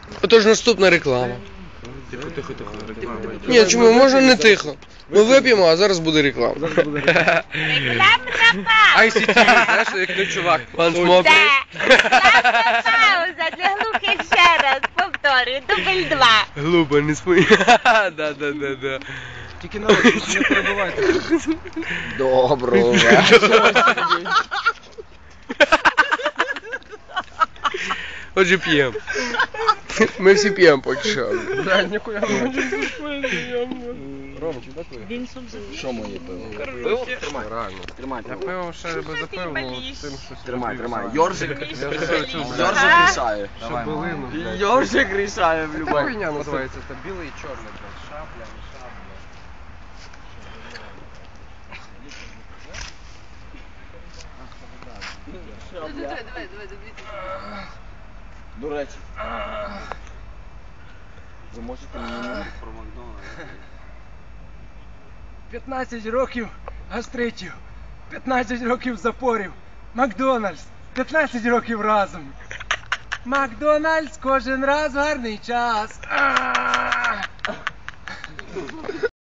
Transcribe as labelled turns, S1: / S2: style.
S1: Отож наступна реклама.
S2: Тихо, реклама.
S1: Ні, чому, можна не тихо. Ми вип'ємо, а зараз буде реклама.
S3: Рекламна
S2: ICT, знаєш, як той чувак.
S1: Пан Смок.
S3: Це рекламна пауза для глухих ще раз. Повторюю, дубль 2.
S1: Глупо, не смій. Да.
S2: Тільки народ, не перебувайте.
S4: Доброго вечора.
S1: Отже, п'ємо. Ми всі п'ємо поки що.
S2: Да, ніхуя не хочу. Ромчик, так ви?
S4: Що моє пиво?
S2: Пиво? Тримай.
S4: Реально. Тримай
S2: Я
S4: пиво.
S2: пиво ще би запив, ну, тим, що...
S4: Тримай. Йоржик. Йоржик рішає.
S2: Шабелину, блядь.
S4: Йоржик рішає в
S2: Яка
S4: любой.
S2: хуйня називається? Це білий і чорний, блядь. Шабля, не шабля.
S4: До речі. Ви можете мені про
S5: 15 років гастритів, 15 років запорів, Макдональдс, 15 років разом. Макдональдс кожен раз гарний час.